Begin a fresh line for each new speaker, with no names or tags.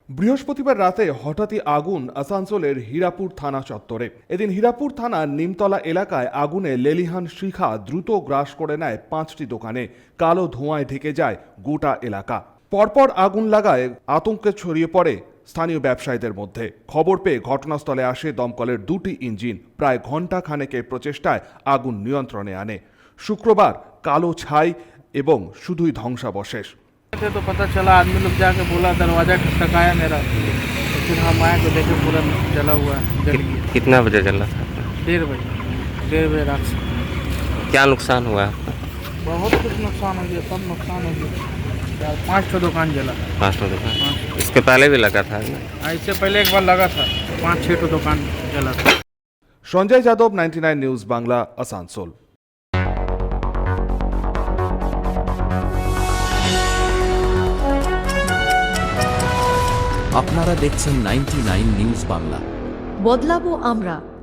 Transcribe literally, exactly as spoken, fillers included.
বৃহস্পতিবার রাতে হঠাৎই আগুন আসানসোলের হীরাপুর থানা চত্বরে। এদিন হীরাপুর থানার নিমতলা এলাকায় আগুনে লেলিহান শিখা দ্রুত গ্রাস করে নেয় পাঁচটি দোকানে। কালো ধোঁয়ায় ঢেকে যায় গোটা এলাকা। পরপর আগুন লাগায় আতঙ্কে ছড়িয়ে পড়ে স্থানীয় ব্যবসায়ীদের মধ্যে। খবর পেয়ে ঘটনাস্থলে আসে দমকলের দুটি ইঞ্জিন। প্রায় ঘণ্টা খানেকের প্রচেষ্টায় আগুন নিয়ন্ত্রণে আনে। শুক্রবার কালো ছাই এবং শুধুই ধ্বংসাবশেষ।
तो पता चला, आदमी लोग जाके बोला, दरवाजा खटखटाया मेरा, तो फिर हम आए तो देखे पूरा जला हुआ है, जल गया।
कितना बजे जला था?
डेढ़ बजे डेढ़ बजे रात से।
क्या नुकसान हुआ आपका?
बहुत कुछ नुकसान हो गया, सब नुकसान हो गया। यार पाँच ठो दुकान जला।
पाँच ठो दुकान? इसके पहले भी लगा था ना?
इससे पहले एक बार लगा था, पाँच छः ठो दुकान जला था।
Sanjay Yadav, ninety nine news Bangla, Asansol.
আপনারা দেখছেন নাইনটি নাইন নিউজ বাংলা।
বদলাবো আমরা।